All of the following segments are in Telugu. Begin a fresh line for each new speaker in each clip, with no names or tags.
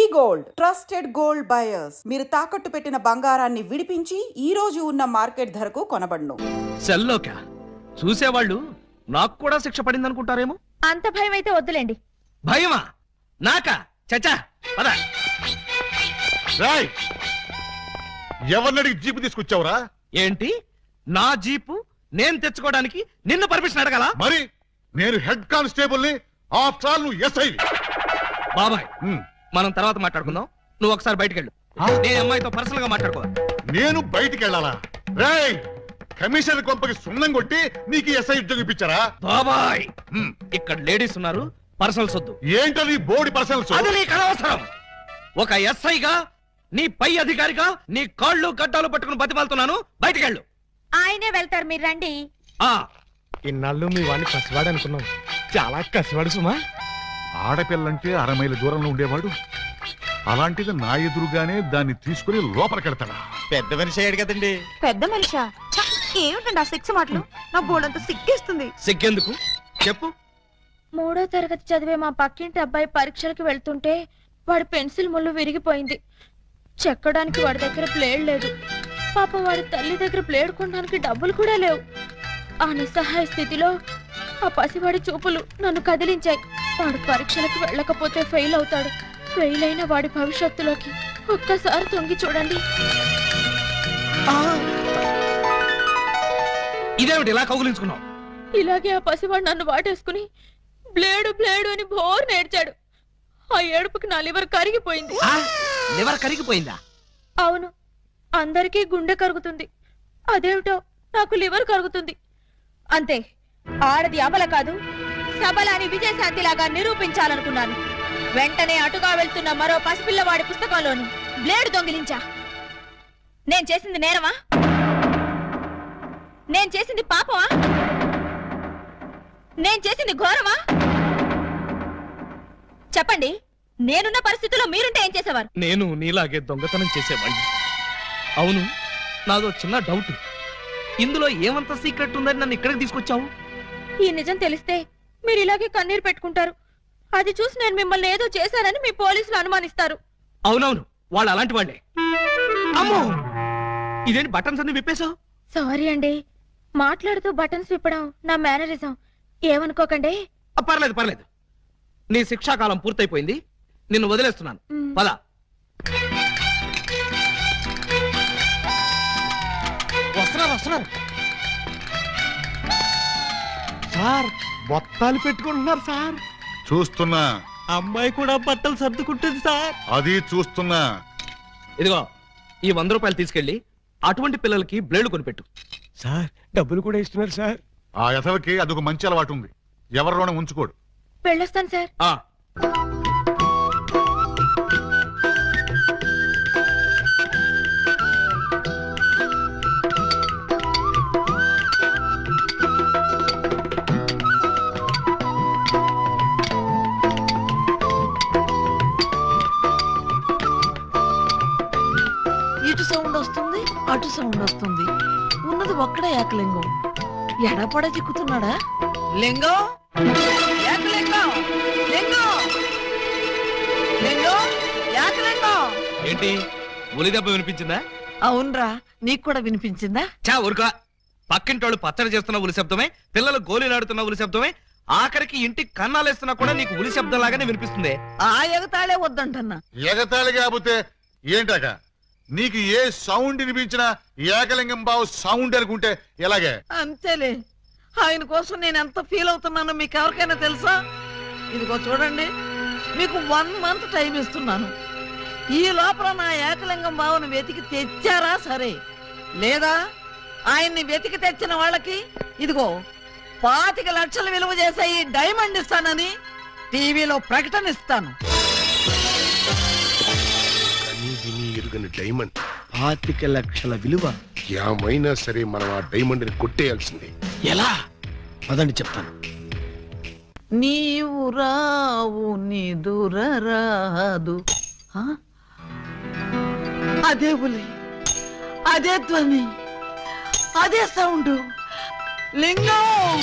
గోల్డ్ ట్రస్టెడ్ గోల్డ్ బయర్స్ మీరు తాకట్టు పెట్టిన బంగారాన్ని విడిపించి ఈ రోజు ఉన్న మార్కెట్ ధరకు కొనబడును.
సెల్లోకా చూసేవాళ్ళు నాకు కూడా శిక్ష పడింది అనుకుంటారేమో.
అంత భయం అయితే వద్దులేండి.
భయమా? నాకా? చచ్చా పద.
ఎవరినడికి జీపు తీసుకొచ్చావురా?
ఏంటి నా జీపు నేను తెచ్చుకోవడానికి నిన్ను పర్మిషన్ అడగాల?
మరి నేను హెడ్ కానిస్టేబుల్ ని, ఆఫ్టర్ ఆల్ నువ్వు ఎస్ఐ.
బాబాయ్ మనం తర్వాత మాట్లాడుకుందాం. నువ్వు ఒకసారి బయటికి వెళ్ళు. నేను అమ్మాయితో పర్సనల్ గా మాట్లాడుకో.
నేను బయటికి వెళ్ళాలా? రేయ్ కమిషనర్ కొంపకి సున్నం కొట్టి నీకు ఎస్ఐ ఉద్యోగం ఇప్పించారా?
బాబాయ్ ఇక్కడ లేడీస్ ఉన్నారు, పర్సనల్స్ వద్దు.
ఏంటది బోడి పర్సనల్స్?
అది నీకు అనవసరం. ఒక ఎస్ఐగా నీ పై అధికారిగా నీ కాళ్ళు గడ్డాలు పట్టుకుని బతిమాలుతున్నాను. బయటికి వెళ్ళు.
ఆయనే వెళ్తారు, మీరు రండి.
ఇన్నాళ్ళు మీ వాడిని కసివాడు అనుకున్నాం, చాలా కసివాడు సుమా.
ఆడపిల్లంటే 6 మైళ్ళ దూరంలో ఉండేవాడు, అలాంటిది నా ఎదురుగానే దాన్ని తీసుకుని లోపలికెడతాడా?
పెద్ద మనిషి అయ్యాడు కదండి.
పెద్ద మనిషా? ఏమిటండి ఆ సిక్స్ మాటలు? నా బోర్డంతా సిగ్గేస్తుంది.
సిగ్గెందుకు చెప్పు.
3వ తరగతి చదివే మా పక్కింటి అబ్బాయి పరీక్షలకు వెళ్తుంటే వాడి పెన్సిల్ ముళ్ళు విరిగిపోయింది. చెక్కడానికి వాడి దగ్గర ప్లేడ్ లేదు. పాపం వాడి తల్లి దగ్గర ప్లేడ్ కొనడానికి డబ్బులు కూడా లేవు. ఆ నిస్సహాయ స్థితిలో ఆ పసివాడి చూపులు నన్ను కదిలించాయి. వాడు పరీక్షలకు వెళ్ళకపోతే ఫెయిల్ అవుతాడు. ఫెయిల్ అయిన వాడి భవిష్యత్తులోకి ఒక్కసారి తొంగి చూడండి.
ఇదేమిటి ఇలా కౌగులించుకున్నావు?
ఇలాగే ఆ పసివాడు నన్ను వాటేసుకుని బ్లేడు బ్లేడు అని బోర్ నేర్చాడు. ఆ ఏడుపుకి నా లివర్ కరిగిపోయింది.
లివర్ కరిగిపోయిందా?
అవును, అందరికీ గుండె కరుగుతుంది, అదేమిటో నాకు లివర్ కరుగుతుంది. అంతే, ఆడది అబల కాదు సబల అని విజయశాంతిలాగా నిరూపించాలనుకున్నాను. వెంటనే అటుగా వెళ్తున్న మరో పసిపిల్లవాడి పుస్తకంలోని బ్లేడు దొంగిలించా. నేను చేసింది నేరమా? నేను చేసింది పాపమా? నేను చేసింది ఘోరమా? చెప్పండి, నేనున్న పరిస్థితుల్లో మీరుంటే ఏం చేసేవారు?
నేను నీలాగే దొంగతనం చేసేవాడిని. అవును, నాదో చిన్న డౌట్. ఇందులో ఏమంత సీక్రెట్ ఉందని నన్ను ఇక్కడికి తీసుకొచ్చావు?
ఈ నిజం తెలిస్తే మీరు ఇలాగే కన్నీరు పెట్టుకుంటారు. అది చూసి నేను మిమ్మల్ని ఏదో చేశానని మీ పోలీసులు అనుమానిస్తారు.
అవునవును, వాళ్ళు అలాంటి వాళ్ళే. అమ్మో, ఇదేంటి బటన్స్ అన్ని విప్పేశావు?
సారీ అండి, మాట్లాడుతూ బటన్స్ విప్పడం నా మేనరిజం, ఏమనుకోకండి.
పర్లేదు పర్లేదు, నీ శిక్షాకాలం పూర్తయిపోయింది, నిన్ను వదిలేస్తున్నాను. పద.
వస్తున్నారు వస్తున్నారు సార్, బొత్తాలు పెట్టుకుంటున్నారు సార్.
చూస్తున్నా.
అమ్మాయి కూడా బట్టలు సర్దుకుంటుంది సార్.
అది చూస్తున్నా.
ఇదిగో ఈ 100 రూపాయలు తీసుకెళ్లి అటువంటి పిల్లలకి బ్లేడ్ కొనిపెట్టు.
సార్ డబ్బులు కూడా ఇస్తున్నారు సార్.
ఆ యథవకి అదొక మంచి అలవాటు ఉంది, ఎవరిలోనే ఉంచుకోడు.
వెళ్ళొస్తాను సార్.
ఇటు సౌండ్ వస్తుంది, అటు సౌండ్ వస్తుంది. ఉన్నది ఒక్కడే ఏకలింగం. ఎడపడ చిక్కుతున్నాడా? లింగం, ఏకలింగం, లింగం, లింగం, ఏకలింగం.
ఏంటి ఉలి దెబ్బ వినిపించిందా?
అవునరా, నీకు కూడా వినిపించిందా?
చా ఊరుకా. పక్కింటోళ్ళు పచ్చడి చేస్తున్న ఉలి శబ్దమే, పిల్లలు గోళీలాడుతున్న ఉలి శబ్దమే, ఆఖరికి ఇంటికి కన్నాలేస్తున్నా కూడా నీకు ఉలి శబ్దం లాగానే వినిపిస్తుంది.
ఆ ఎగతాళే వద్దంటన్నా.
ఎగతాళి కాకపోతే ఏంటాక? నీకు ఏ సౌండ్ వినిపించినా ఏకలింగం బావు సౌండ్ అనుకుంటే ఎలాగే?
అంతేలే, ఆయన కోసం నేను ఎంత ఫీల్ అవుతున్నానో మీకు ఎవరికైనా తెలుసా? ఇదిగో చూడండి, మీకు 1 మంత్ టైం ఇస్తున్నాను. ఈ లోపల నా ఏకలింగం బావును వెతికి తెచ్చారా సరే, లేదా ఆయన్ని వెతికి తెచ్చిన వాళ్ళకి ఇదిగో 25 లక్షలు విలువ చేసే ఈ డైమండ్ ఇస్తానని టీవీలో ప్రకటన ఇస్తాను.
డైమండ్
25 లక్షల విలువ.
ఏమైనా సరే మనం ఆ డైమండ్ ని కొట్టేయాల్సిందే.
ఎలా? పదండి చెప్తాను.
నీవు రావు నిదురరాదు. అదే ఉలి, అదే ధ్వని, అదే సౌండ్. లింగం,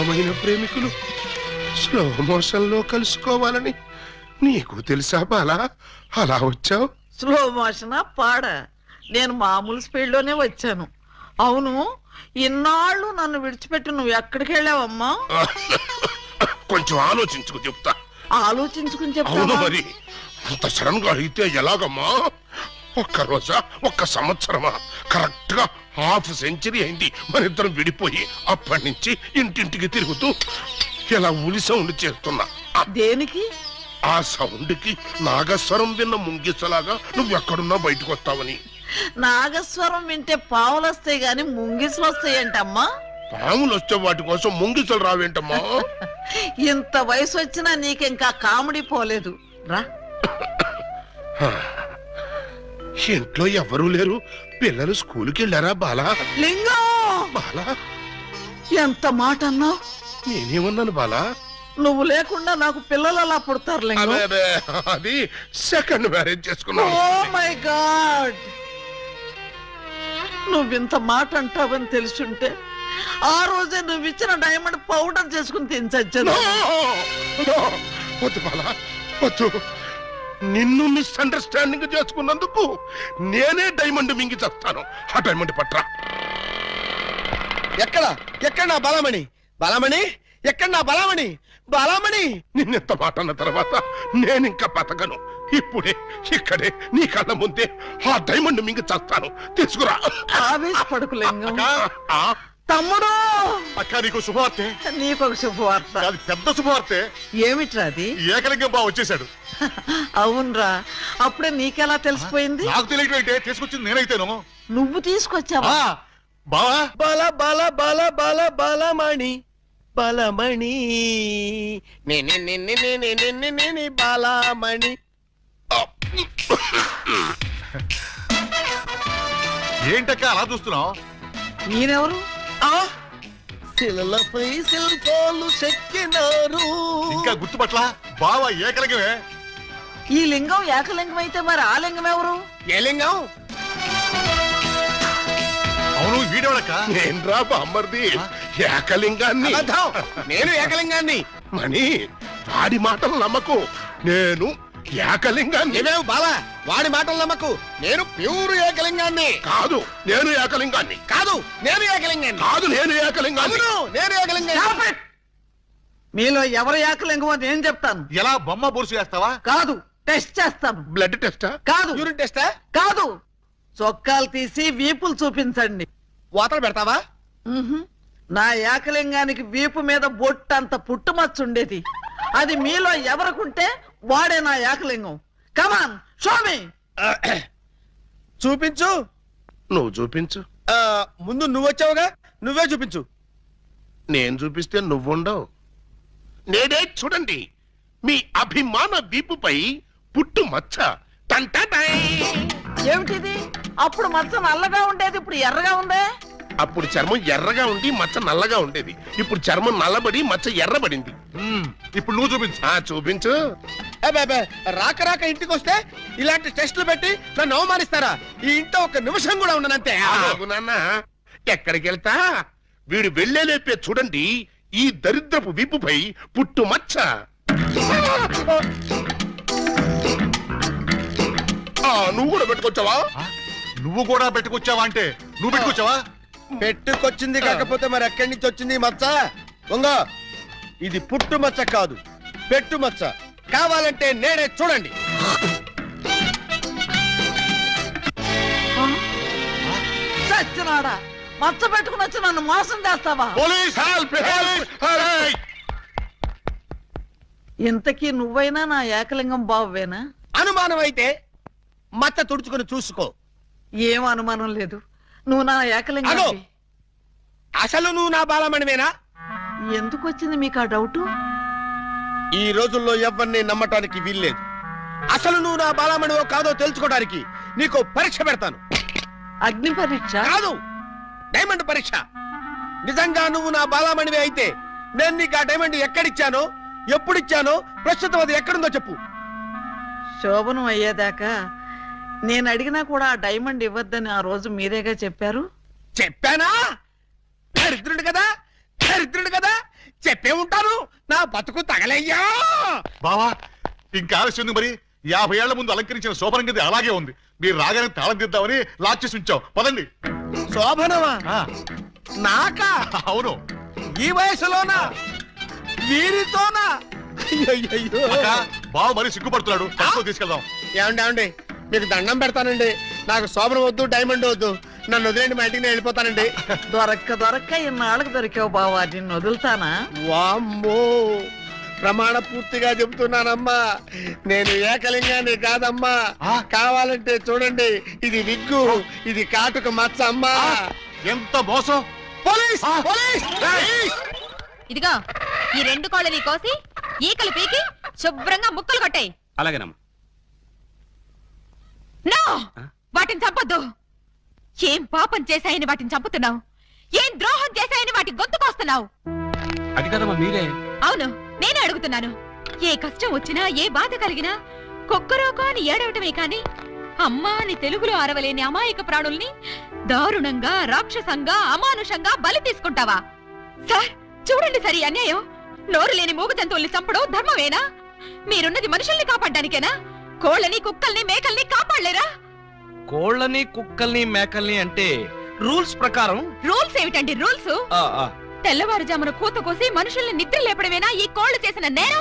ప్రాణమైన ప్రేమికులు స్లో మోషన్ లో కలుసుకోవాలని నీకు తెలుసా బాలా? అలా వచ్చావు.
స్లో మోషనా పాడా? నేను మామూలు స్పీడ్ లోనే వచ్చాను. అవును, ఇన్నాళ్ళు నన్ను విడిచిపెట్టి నువ్వు ఎక్కడికి వెళ్ళావమ్మా?
కొంచెం ఆలోచించుకు చెప్తా.
ఆలోచించుకుని
అవును
చెప్తావా?
మరి అంత సడన్ గా అయితే ఎలాగమ్మా? ఒక్క రోజా, ఒక్క సంవత్సరమా? కరెక్ట్ గా హాఫ్ సెంచరీ అయింది మన ఇద్దరం విడిపోయి. అప్పటి నుంచి ఇంటింటికి తిరుగుతూ ఇలా ఉలి సౌండ్ చేస్తున్నా.
దేనికి?
ఆ సౌండ్ కి నాగస్వరం విన్న ముంగిసలాగా నువ్వెక్కడున్నా బయటకు వస్తావని.
నాగస్వరం వింటే పావులు వస్తాయి గాని ముంగిసులు వస్తాయంటమ్మా.
పాములు వచ్చే వాటి కోసం ముంగిసలు రావేంటమ్మా?
ఇంత వయసు వచ్చినా నీకింకా కామెడీ పోలేదు. రా.
ఇంట్లో ఎవరూ లేరు. పిల్లలు స్కూల్కి వెళ్ళారా బాలా?
లింగం,
బాలా,
ఎంత మాట అన్నావు?
నేనేమన్నాను బాలా?
నువ్వు లేకుండా నాకు పిల్లలు అలా పుడతారు లింగం.
అదే అదే, అది సెకండ్ మ్యారేజ్ చేసుకున్నాను.
ఓ మై గాడ్, నువ్వింత మాట అంటావని తెలుసుంటే ఆ రోజే నువ్వు ఇచ్చిన డైమండ్ పౌడర్ చేసుకుని తినచచ్చాను.
వద్దు బాలా, వద్దు. నిన్ను మిస్అండర్స్టాండింగ్ చేసుకున్నందుకు నేనే డైమండ్ మింగి చేస్తాను. ఆ డైమండ్ పట్రా.
ఎక్కడ నా బలమణి? బలమణి ఎక్కడ నా బలమణి? బలమణి
నిన్నెంత మాట అన్న తర్వాత నేనింకా బతకను. ఇప్పుడే ఇక్కడే నీ కళ్ళ ముందే ఆ డైమండ్ మింగి చేస్తాను. తీసుకురా.
ఆవేశపడకు లింగం.
ఆ,
తమ్ముడు,
అక్క నీకు శుభవార్తె.
నీకొక శుభవార్త.
అది పెద్ద శుభవార్తె.
ఏమిట్రా అది?
ఏకలింగం బావ వచ్చేసాడు.
అవునరా, అప్పుడే నీకెలా తెలిసిపోయింది?
నాకు తెలియటం అయితే తీసుకొచ్చింది నేనైతేను.
నువ్వు తీసుకొచ్చావా?
బావా,
బల బల బల బల బలమణి బలమణి బలమణి.
ఏంటక్క అలా చూస్తున్నావు?
నేనెవరు?
శిలలపై శిల్పాలు చెక్కినారు.
ఇంకా గుర్తుపట్ల బావా ఏకలింగమే.
ఈ లింగం ఏకలింగం అయితే మరి ఆ లింగం ఎవరు?
ఏ లింగం?
అవును, వీడేవాడక్క.
నేన్రా బామ్మర్ది, ఏకలింగాన్ని.
అబద్ధం. నేను ఏకలింగాన్ని.
మణి, వాడి మాటలు నమ్మకు. నేను ఏకలింగాన్ని.
ఏమేవు బాలా, వాడి మాటలు నమ్మకు. నేను ప్యూర్ ఏకలింగాన్ని.
కాదు, నేను ఏకలింగాన్ని.
కాదు, నేను ఏకలింగాన్ని.
కాదు, నేను ఏకలింగాన్ని.
అవును, నేను ఏకలింగాన్ని.
మీలో ఎవరు ఏకలింగం అని నేను చెప్తాను.
ఎలా బొమ్మ బొరుసు వేస్తావా?
కాదు, టెస్ట్ చేస్తాను.
బ్లడ్ టెస్టా?
కాదు,
యూరిన్ టెస్టా?
కాదు, చొక్కాలు తీసి వీపులు చూపించండి.
వాతలు పెడతావా?
ఉహుం. నా ఏకలింగానికి వీపు మీద బొట్టంత పుట్టుమచ్చ ఉండేది. అది మీలో ఎవరికుంటే వాడే నా ఏకలింగం. కమాన్, షో మీ.
చూపించు.
నువ్వు చూపించు.
ముందు నువ్వు వచ్చావుగా, నువ్వే చూపించు.
నేను చూపిస్తే నువ్వుండవు. నేనే చూడండి, మీ అభిమాన వీపుపై పుట్టు మచ్చ. టంటటై.
ఏమిటిది? అప్పుడు మచ్చ నల్లగా ఉండేది, ఇప్పుడు ఎర్రగా ఉందే.
అప్పుడు చర్మం ఎర్రగా ఉండి మచ్చ నల్లగా ఉండేది. ఇప్పుడు చర్మం నల్లబడి మచ్చ ఎర్రబడింది.
ఇప్పుడు నువ్వు చూపించు.
చూపించు.
అబ్బే, రాక రాక ఇంటికి వస్తే ఇలాంటి టెస్టులు పెట్టి నన్ను అవమానిస్తారా? ఈ ఇంట్లో ఒక నిమిషం కూడా ఉండనంతే.
ఆగు నాన్న, ఎక్కడికి వెళ్తా? వీడు వెళ్ళేలేపే చూడండి, ఈ దరిద్రపు వీపుపై పుట్టు మచ్చ. నువ్వు కూడా పెట్టుకొచ్చావా?
నువ్వు కూడా పెట్టుకొచ్చావా అంటే నువ్వు పెట్టుకొచ్చావా?
పెట్టుకొచ్చింది కాకపోతే మరి ఎక్కడి నుంచి వచ్చింది ఈ మచ్చ? ఉంగో, ఇది పుట్టు మచ్చ కాదు, పెట్టు మచ్చ. కావాలంటే నేనే చూడండి.
చచ్చినాడా, మచ్చ పెట్టుకుని వచ్చి నన్ను మోసం చేస్తావా?
Police help!
ఇంతకీ నువ్వైనా నా ఏకలింగం బావేనా?
అనుమానం అయితే మచ్చ తుడుచుకుని చూసుకో.
ఏం అనుమానం లేదు, నువ్వు నా ఏకలింగం.
అగో, అసలు నువ్వు నా బాలమణివేనా?
ఎందుకు వచ్చింది మీకు ఆ డౌట్?
ఈ రోజుల్లో ఎవరిని నమ్మటానికి వీల్లేదు. అసలు నువ్వు నా బాలమణివో కాదో తెలుసుకోవడానికి నీకు పరీక్ష పెడతాను.
అగ్ని పరీక్ష
కాదు, డైమండ్ పరీక్ష. నిజంగా నువ్వు నా బాలమణివే అయితే నేను నీకు ఆ డైమండ్ ఎక్కడిచ్చానో, ఎప్పుడిచ్చానో, ప్రస్తుతం అది ఎక్కడుందో చెప్పు.
శోభనం అయ్యేదాకా నేను అడిగినా కూడా ఆ డైమండ్ ఇవ్వద్దని ఆ రోజు మీరేగా చెప్పారు.
చెప్పానా? దరిద్రుడు కదా, దరిద్రుడు కదా, చెప్పే ఉంటాను నా బతుకు తగలయ్యా.
బావా ఇంకా ఆలస్యం ఉంది మరి. 50 ఏళ్ల ముందు అలంకరించిన శోభనం గది అలాగే ఉంది. మీరు రాగానే తాళం తీద్దామని లాక్ చేసి ఉంచాం. పదండి.
శోభనమా?
ఆ,
నాకా?
అవును.
ఈ వయసులోనా? వీరితోనా? అయ్యయ్యో.
అక్క, బావ మరి సిగ్గుపడుతున్నాడు. తక్కువ తీసుకెళ్దాం.
ఏమండి మీకు దండం పెడతానండి. నాకు శోభనం వద్దు, డైమండ్ వద్దు. నన్ను వదిలేండి, మా ఇంటికి నేను వెళ్ళిపోతానండి.
దొరక్క ఇన్నాళ్ళకి దొరికావు బావా, నిన్ను వదులుతానా?
వామ్మో, ప్రమాణ పూర్తిగా చెబుతున్నానమ్మా, నేను ఏకలింగాన్ని కాదమ్మా. కావాలంటే చూడండి, ఇది విగ్గు, ఇది కాటుక మచ్చ అమ్మా.
ఎంత మోసం!
పోలీస్! పోలీస్!
ఇదిగో ఈ 2 కోళ్ళని కోసి ఈకలు పీకి శుభ్రంగా ముక్కలు కొట్టాయి.
అలాగేనమ్మా.
నో, వాటిని చంపొద్దు. ఏం పాపం చేశాయని వాటిని చంపుతున్నావు? ఏం ద్రోహం చేశాయని వాటి గొంతుకొస్తున్నావు?
అది కదమ్మా మీరే.
అవును, నేనే అడుగుతున్నాను. ఏ కష్టం వచ్చినా, ఏ బాధ కలిగినా కుక్కరోకో అని ఏడవటమే కాని అమ్మా అని తెలుగులో అరవలేని అమాయక ప్రాణుల్ని దారుణంగా, రాక్షసంగా, అమానుషంగా బలి తీసుకుంటావా? సార్ చూడండి, సరి అన్యాయం. నోరు లేని మూగ జంతువుల్ని చంపడం ధర్మమేనా? మీరున్నది మనుషుల్ని కాపాడ్డానికేనా? కోళ్ళని, కుక్కల్ని, మేకల్ని కాపాడలేరా?
కోళ్ళని, కుక్కల్ని, మేకల్ని అంటే రూల్స్ ప్రకారం.
రూల్స్ ఏమిటండి రూల్స్? తెల్లవారుజామున కూత కోసి మనుషుల్ని నిద్ర లేపడమేనా ఈ కోళ్లు చేసిన నేరం?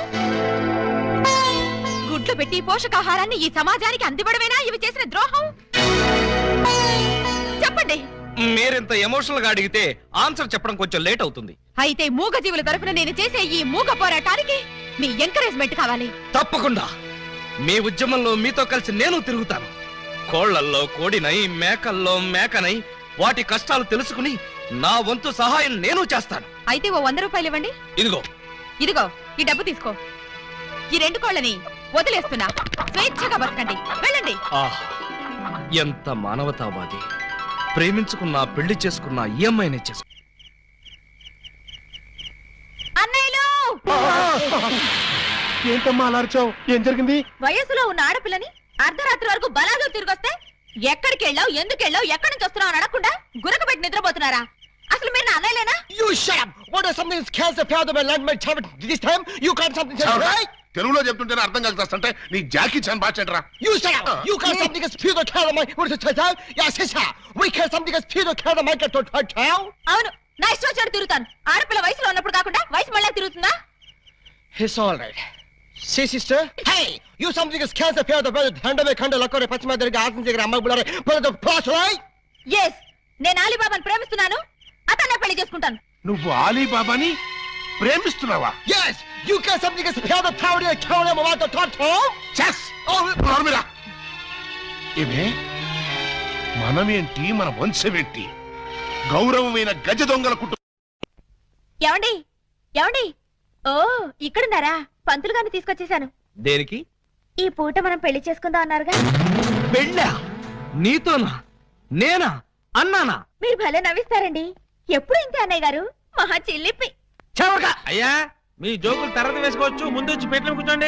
గుడ్లు పెట్టి పోషకాహారాన్ని ఈ సమాజానికి అందివ్వడమేనా ఇవి చేసిన ద్రోహం? చెప్పండి.
మీరింత ఎమోషనల్ గా అడిగితే ఆన్సర్ చెప్పడం కొంచెం లేట్ అవుతుంది.
అయితే మూగ జీవుల తరఫున నేను చేసే ఈ మూగ పోరాటానికి మీ ఎంకరేజ్మెంట్ కావాలి.
తప్పకుండా మీ ఉద్యమంలో మీతో కలిసి నేను తిరుగుతాను. కోళ్లల్లో కోడినై, మేకల్లో మేకనై వాటి కష్టాలు తెలుసుకుని నా వంతు సహాయం నేను చేస్తాను.
అయితే ఓ 100 రూపాయలు ఇవ్వండి.
ఇదిగో.
ఇదిగో ఈ డబ్బు తీసుకో. ఈ 2 కోళ్ళని వదిలేస్తున్నా. స్వేచ్ఛగా బతకండి, వెళ్ళండి.
ఎంత మానవతావాది. ప్రేమించుకున్నా, పెళ్లి చేసుకున్నా ఈ అమ్మాయినే చేసుకు.
అన్నయ్యలు,
ఏంటమ్మా అలా అరిచావు? ఏం జరిగింది?
వయసులో ఉన్న ఆడపిల్లని అర్ధరాత్రి వరకు బలాలు తిరిగొస్తే ఎక్కడికి వెళ్ళావు, ఎందుకు వెళ్ళావు, ఎక్కడి నుంచి వస్తున్నావు అని అడగకుండా గురకబెట్టి నిద్రపోతున్నారా? అసలు మీరు నా అన్నయ్యలేనా?
You shut up! What is something that scares the father of my land, my child? This time you can't something else, right?
తెలుగులో చెప్తుంటేనే అర్థం కలుగుతాంటే నీ జాకీ చాన్ బాచెట్రా.
You shut up! You can't something that fear the child of my what is the child? Yes, sister. We can't something that fear the child of my child.
అవును, నా ఇష్టం వచ్చాడు తిరుగుతాను. ఆడపిల్ల వయసులో ఉన్నప్పుడు కాకుండా వయసు మళ్ళీ తిరుగుతుందా?
It's all right. See, sister? Hey! You something that scares the fear of the brother. Handle me, handle lakore pachima deriga aasam jegara amma bulare. But the plus, right?
Yes, నేను అలీబాబాను ప్రేమిస్తున్నాను. అతన్నే పెళ్లి చేసుకుంటాను.
నువ్వు ఆలీబాబాని ప్రేమిస్తున్నావా?
Yes! You can't something that fear the tower and kill them about the top.
Chess. నోర్మిరా. ఏమే మనమేంటి, మన వంశమేంటి? గౌరవమైన గజ దొంగల కుటుంబం.
ఏమండి, ఏమండి? ఓ, ఇక్కడున్నారా? పంతులు గారిని తీసుకొచ్చేసాను.
దేనికి?
ఈ పూట మనం పెళ్లి చేసుకుందాం అన్నారుగా.
పెళ్ళా? నీతోనా? నేనా? అన్నానా?
మీరు భలే నవ్విస్తారండి. ఎప్పుడు ఇంతే అన్నయ్య గారు, మహా చిల్లిపి.
అయ్యా మీ జోకులు తర్వాత వేసుకోవచ్చు, ముందు వచ్చి పెట్టిన కూర్చోండి.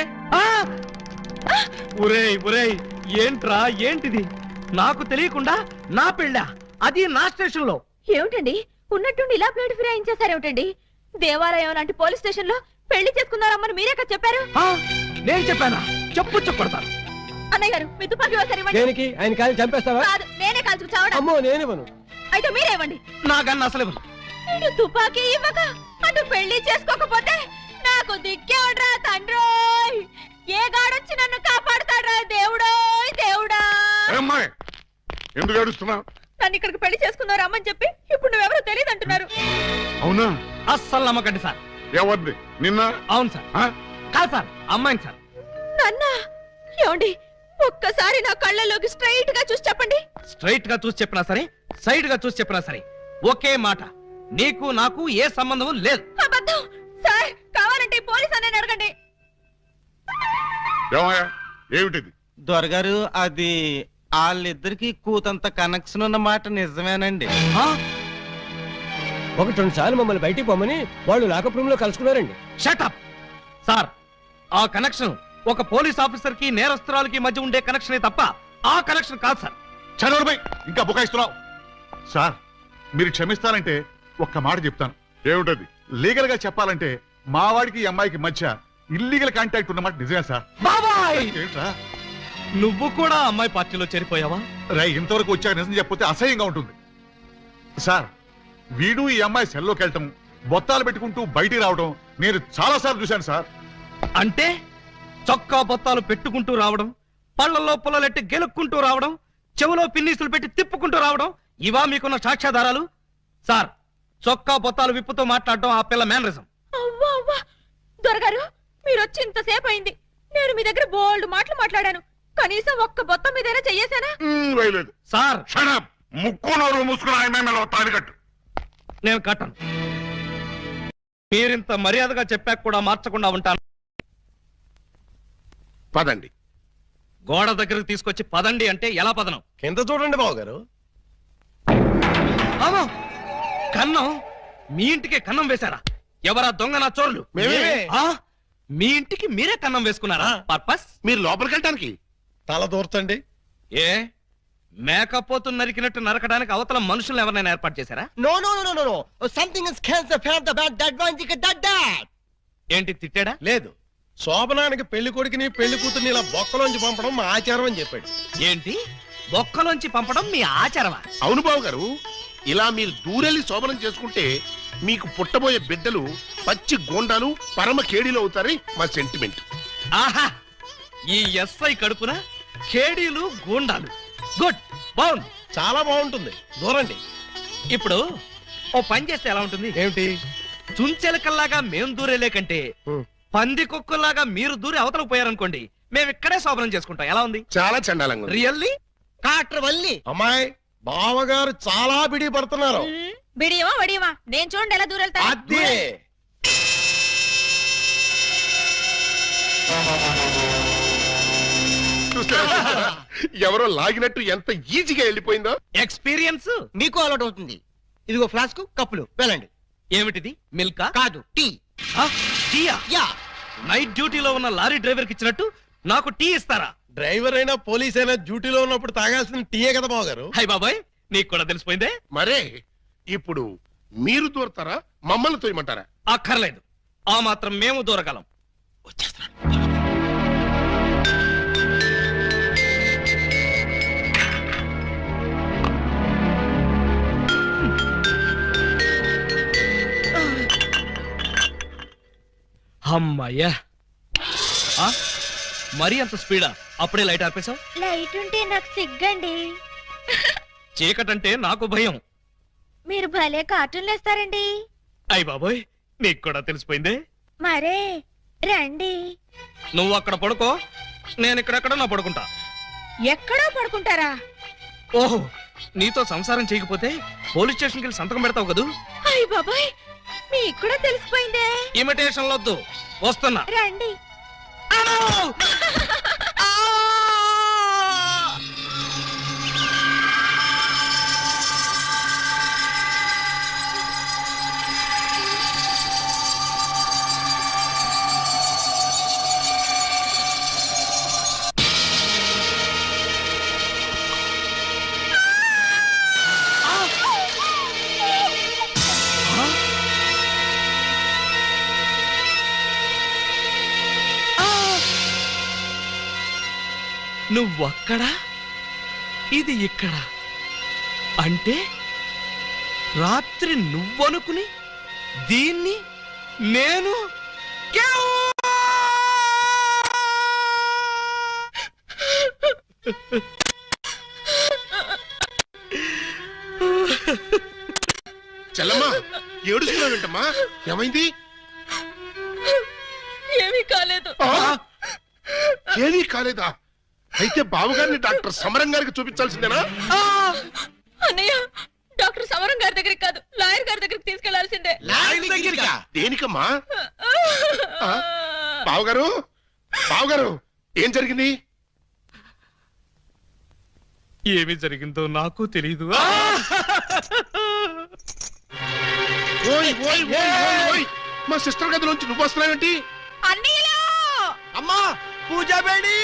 ఒరేయ్ ఏంట్రా, ఏంటిది? నాకు తెలియకుండా నా పెళ్ళా, అది నా స్టేషన్ లో?
ఏమిటండి ఉన్నట్టుండి ఇలా ప్లేట్ ఫిరాయించేశారేమిటండి? దేవాలయం లాంటి పోలీస్ స్టేషన్ లో పెళ్లి చేసుకున్నారమ్మని మీరే కదా చెప్పారు.
నేను చెప్పానా? చెప్పు చెప్పడతాను.
అన్నయ్య గారు, మీ తుపాకీ ఒకసారి ఇవ్వండి.
దేనికి? ఆయన కాలి చంపేస్తావా?
కాదు, నేనే కాల్చుకు చావడం.
అమ్మో, నేనివ్వను.
అయితే మీరే ఇవ్వండి.
నాకన్నా అసలు ఇవ్వను.
ఇటు తుపాకీ ఇవ్వక అటు పెళ్లి చేసుకోకపోతే నాకు దిక్కేవడ్రా తండ్రోయ్. ఏ గాడొచ్చి నన్ను కాపాడుతాడ్రా దేవుడోయ్ దేవుడా.
అమ్మాయి ఎందుకు ఏడుస్తున్నావు?
నన్ను ఇక్కడికి పెళ్లి చేసుకున్నారు అమ్మని చెప్పి ఇప్పుడు నువ్వెవరో తెలియదు అంటున్నారు.
అవునా?
అస్సలు నమ్మకండి సార్.
ఎవరిది? నిన్న?
అవును సార్. కాదు సార్, అమ్మాయిని సార్.
నన్న ఏమండి, ఒక్కసారి నా కళ్ళలోకి స్ట్రైట్ గా చూసి చెప్పండి.
స్ట్రైట్ గా చూసి చెప్పినా సరే, సైడ్ గా చూసి చెప్పినా సరే ఒకే మాట, నీకు నాకు ఏ సంబంధం లేదు.
అబద్ధం సార్. కావాలంటే పోలీస్ అని అడగండి.
ఏమయ్యా, ఏమిటిది?
దొరగారు, అది వాళ్ళిద్దరికి కూతంత కనెక్షన్ ఉన్న మాట నిజమేనండి.
1-2 సార్లు మమ్మల్ని బయటికి పోమని వాళ్ళు లాకప్ రూమ్ లో కలుసుకున్నారండి.
Shut up sir. ఆ కనెక్షన్ ఒక పోలీస్ ఆఫీసర్ కి నేరస్తురాలకి మధ్య ఉండే కనెక్షనే తప్ప ఆ కనెక్షన్ కాదు సార్.
చదవడమై ఇంకా బుకాయిస్తున్నావు. సార్, మీరు క్షమిస్తారంటే ఒక్క మాట చెప్తాను. ఏమిటది? లీగల్ గా చెప్పాలంటే మా వాడికి ఈ అమ్మాయికి మధ్య ఇల్లీగల్ కాంటాక్ట్ ఉన్నమాట నిజమే సార్.
బాబాయ్
ఏంట్రా
నువ్వు కూడా అమ్మాయి పార్టీలో చేరిపోయావా?
రై ఇంతవరకు వచ్చాక నిజం చెప్పితే అసహ్యంగా ఉంటుంది సార్. వీడు ఈ అమ్మాయి సెల్లోకి వెళ్ళటం, బొత్తాలు పెట్టుకుంటూ బయటికి రావడం నేను చాలా సార్లు చూశాను సార్.
అంటే చొక్కా బొత్తాలు పెట్టుకుంటూ రావడం, పళ్ళల్లో పుల్లలెట్టి గెలుక్కుంటూ రావడం, చెవులో పిన్నీసులు పెట్టి తిప్పుకుంటూ రావడం, ఇవా మీకున్న సాక్ష్యాధారాలు? సార్, చొక్కా బొత్తాలు విప్పుతూ మాట్లాడడం ఆ పిల్ల మేనరిజం.
అవ్వా అవ్వా దొరగారు మీరు వచ్చి ఇంతసేపు అయింది. నేను మీ దగ్గర బోల్డ్ మాటలు మాట్లాడాను. కనీసం ఒక్క బొత్తం మీదైనా చెయ్యేశానా?
వేయలేదు.
సార్
షడప్, ముక్కు నోరు మూసుకుని ఆయన తాలి కట్టు.
నేను కట్టను. మీరింత మర్యాదగా చెప్పాక కూడా మార్చకుండా ఉంటాను.
పదండి.
గోడ దగ్గరకు తీసుకొచ్చి పదండి అంటే ఎలా పదనం?
కింద చూడండి బావగారు.
అవును, కన్నం. మీ ఇంటికి కన్నం వేశారా? ఎవరా దొంగ నా చోర్లు?
మేమే.
ఆ? మీ ఇంటికి మీరే కన్నం వేసుకున్నారా? పర్పస్?
మీరు లోపలికి వెళ్ళటానికి
తల దూర్చండి.
ఏ మేకపోతు నరికినట్టు నరకడానికి అవతల మనుషులను ఎవరైనా ఏర్పాటు చేశారా?
No no no no no something is cancer from the bad that one దిక్ దట్ దట్.
ఏంటి తిట్టాడా?
లేదు, శోభనానికి పెళ్లి కొడుకుని పెళ్లి కూతుర్ని ఇలా బొక్కలోంచి పంపడం మా ఆచారం అని చెప్పాడు.
ఏంటి బొక్కలోంచి పంపడం మీ ఆచారమా?
అవును బాబు గారు, ఇలా మీరు దూరెళ్ళి శోభనం చేసుకుంటే మీకు పుట్టబోయే బిడ్డలు పచ్చి గోండాలు పరమ కేడీలు అవుతారని మా సెంటిమెంట్.
ఆహా, ఈ ఎస్ఐ కడుపున కేడీలు గూండాలు. గుడ్, బాగుంది,
చాలా బాగుంటుంది. దూరండి.
ఇప్పుడు ఓ పని చేస్తే ఎలా ఉంటుంది?
ఏమిటి?
చుంచెలకల్లాగా మేం దూరేలే కంటే పంది కుక్కల్లాగా మీరు దూరి అవతలకు పోయారనుకోండి, మేము ఇక్కడే శోభనం చేసుకుంటాం. ఎలా ఉంది?
చాలా చండాలంగా ఉంది.
రియల్లీ?
కాట్ర వల్లి అమ్మాయి బావగారు చాలా బిడి పడుతున్నారు.
బిడియమా వడియమా నేను చూడండి ఎలా దూరెళ్తా.
అదే
చూసారా? ఎవరో లాగినట్టు ఎంత ఈజీగా వెళ్ళిపోయిందో.
ఎక్స్పీరియన్స్
మీకు అలవాటు అవుతుంది. ఇదిగో ఫ్లాస్క్ కప్పులు వెళ్ళండి.
ఏమిటిది? మిల్కా?
కాదు, టీ.
టీయా?
యా.
నైట్ డ్యూటీలో ఉన్న లారీ డ్రైవర్ కి ఇచ్చినట్టు నాకు టీ ఇస్తారా?
డ్రైవర్ అయినా పోలీస్ అయినా డ్యూటీలో ఉన్నప్పుడు తాగాల్సిన టీయే కదా బావగారు.
హై బాబాయ్, నీకు కూడా తెలిసిపోయిందే.
మరే ఇప్పుడు మీరు దూరతారా, మమ్మల్ని తోయమంటారా?
అక్కర్లేదు, ఆ మాత్రం మేము దూరగలం.
వచ్చేస్తున్నాను.
అమ్మయ్యా, మరీ అంత స్పీడా? అప్పుడే లైట్ ఆర్పేశావు?
లైట్ ఉంటే నాకు సిగ్గండి.
చీకటంటే నాకు భయం.
మీరు భలే కార్టూన్లు వేస్తారండి.
అయ్ బాబోయ్, నీకు కూడా తెలిసిపోయిందే.
మరే రండి.
నువ్వు అక్కడ పడుకో, నేను ఇక్కడెక్కడ నా పడుకుంటా.
ఎక్కడో పడుకుంటారా?
ఓహో, నీతో సంసారం చేయకపోతే పోలీస్ స్టేషన్కి వెళ్ళి సంతకం పెడతావు కదూ.
అయ్య బాబాయ్, మీకు కూడా తెలిసిపోయిందే.
ఇమిటేషన్ వద్దు, వస్తున్నా.
రండి.
నువ్వక్కడ, ఇది ఇక్కడ. అంటే రాత్రి నువ్వనుకుని దీన్ని నేను
చెల్లమ్మా, ఏడుస్తున్నావు ఏంటమ్మా? ఏమైంది?
ఏమీ కాలేదు.
ఏమీ కాలేదా? అయితే బావగారిని డాక్టర్ సమరం గారికి చూపించాల్సిందేనా?
అన్నయ్య, డాక్టర్ సమరం గారి దగ్గరికి కాదు, లాయర్ గారి దగ్గరికి తీసుకెళ్లాల్సిందే.
దేనికమ్మా? బావగారు, బావగారు, ఏం జరిగింది?
ఏమి జరిగిందో నాకు తెలీదు.
ఓయ్ ఓయ్ ఓయ్ ఓయ్ ఓయ్, మా సిస్టర్ గదిలోంచి నువ్వు వస్తున్నావేంటి?
అమ్మా పూజ బేడి.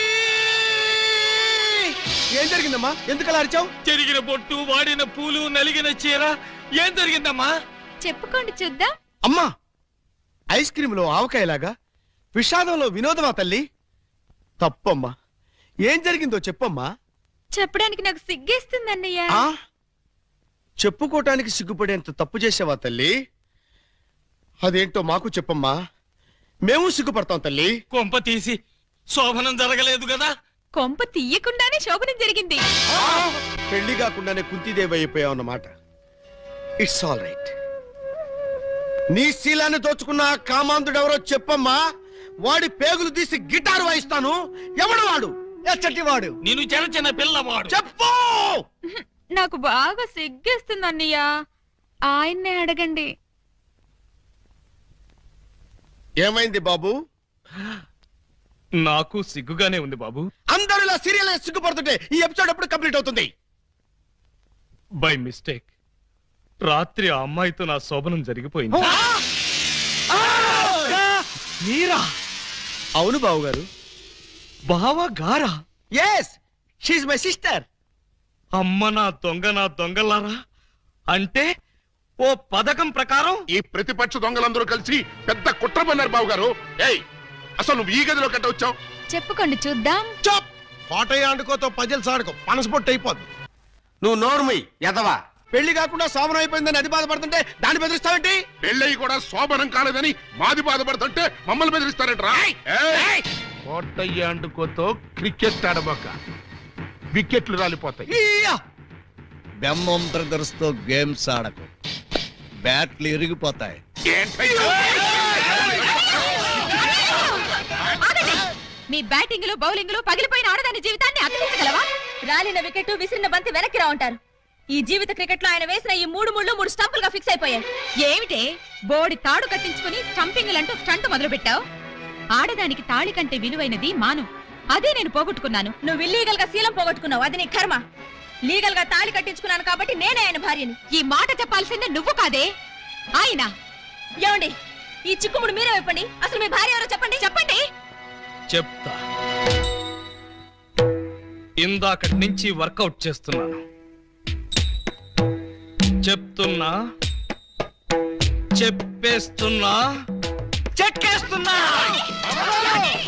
ఏం జరిగిందమ్మా? ఎందుకలా అరిచావు?
చెరిగిన బొట్టు, వాడిన పూలు, నలిగిన చీర. ఏం జరిగిందమ్మా?
చెప్పుకోండి చూద్దాం.
అమ్మా ఐస్ క్రీములో ఆవకాయలాగా విషాదంలో వినోదమా తల్లి? తప్పమ్మా. ఏం జరిగిందో చెప్పమ్మా.
చెప్పడానికి నాకు సిగ్గేస్తుంది అన్నయ్య.
ఆ చెప్పుకోటానికి సిగ్గుపడేంత తప్పు చేసావా తల్లి? అదేంటో మాకు చెప్పమ్మా, మేము సిగ్గుపడతాం తల్లి.
కొంప తీసి శోభనం జరగలేదు కదా?
కొంప తీయకుండానే శోభనం జరిగింది.
పెళ్లి కాకుండానే కుంతిదేవి అయిపోయావు అన్నమాట. It's all right. నీ శీలాన్ని దోచుకున్న ఆ కామాంధుడెవరో చెప్పమ్మా. వాడి పేగులు తీసి గిటారు వాయిస్తాను. ఎవడు వాడు? ఎచ్చటి వాడు?
నేను చిన్న చిన్న పిల్లవాడు.
చెప్పు.
నాకు బాగా సిగ్గేస్తుంది అన్నయ్య. ఆయన్నే అడగండి.
ఏమైంది బాబు?
నాకు సిగ్గుగానే ఉంది బాబు.
అందరూ ఇలా సీరియల్ సిగ్గుపడుతుంటే ఈ ఎపిసోడ్ ఎప్పుడు కంప్లీట్ అవుతుంది?
బై మిస్టేక్ రాత్రి ఆ అమ్మాయితో నా శోభనం జరిగిపోయింది. మీరా?
అవును బాబు గారు.
బావా గారా?
Yes, she my sister.
అమ్మ నా దొంగలారా. అంటే ఓ పథకం ప్రకారం
ఈ ప్రతిపక్ష దొంగలందరూ కలిసి పెద్ద కుట్ర పన్నారు బాబు గారు. ఏయ్, అసలు నువ్వు ఈ గదిలో కట్ట వచ్చావు?
చెప్పుకోండి చూద్దాం.
చాప్. కోటయ్య ఆడుకోతో పజల్స్ ఆడుకో, పనసపొట్టు అయిపోద్ది. నువ్వు నోర్మి ఎదవా. పెళ్లి కాకుండా శోభనం అయిపోయిందని అది బాధపడుతుంటే దాన్ని బెదిరిస్తావేంటి?
పెళ్ళయి కూడా శోభనం కాలేదని మాది బాధపడుతుంటే మమ్మల్ని బెదిరిస్తారంటరా? కోటయ్య అండుకోతో క్రికెట్ ఆడబోక, వికెట్లు రాలిపోతాయి.
బెమ్మం బ్రదర్స్ తో గేమ్స్ ఆడకు, బ్యాట్లు ఇరిగిపోతాయి.
మీ బ్యాటింగ్ లో బౌలింగ్ లో పగిలిపోయిన ఆడదాని జీవితాన్ని అతికించగలవా? రాలిన వికెట్ విసిరిన బంతి వెనక్కి రా ఉంటారు. ఈ జీవిత క్రికెట్ లో ఆయన వేసిన ఈ 3 స్టంపులుగా ఫిక్స్ అయిపోయాయి. ఏమిటే బోడి తాడు కట్టించుకుని స్టంపింగ్ అంటూ స్టంట్ మొదలు పెట్టావు? ఆడదానికి తాళి కంటే విలువైనది మాను. అదే నేను పోగొట్టుకున్నాను. నువ్వు ఇల్లీగల్ గా శీలం పోగొట్టుకున్నావు, అది నీ కర్మ. లీగల్ గా తాళి కట్టించుకున్నాను కాబట్టి నేనే ఆయన భార్యని. ఈ మాట చెప్పాల్సిందే నువ్వు కాదే ఆయన. ఏమండి, ఈ చిక్కుముడు మీరే చెప్పండి. అసలు మీ భార్య ఎవరో చెప్పండి. చెప్పండి.
చెప్తా. ఇందాకటి నుంచి వర్కౌట్ చేస్తున్నాను. చెప్తున్నా, చెప్పేస్తున్నా, చెక్కేస్తున్నా.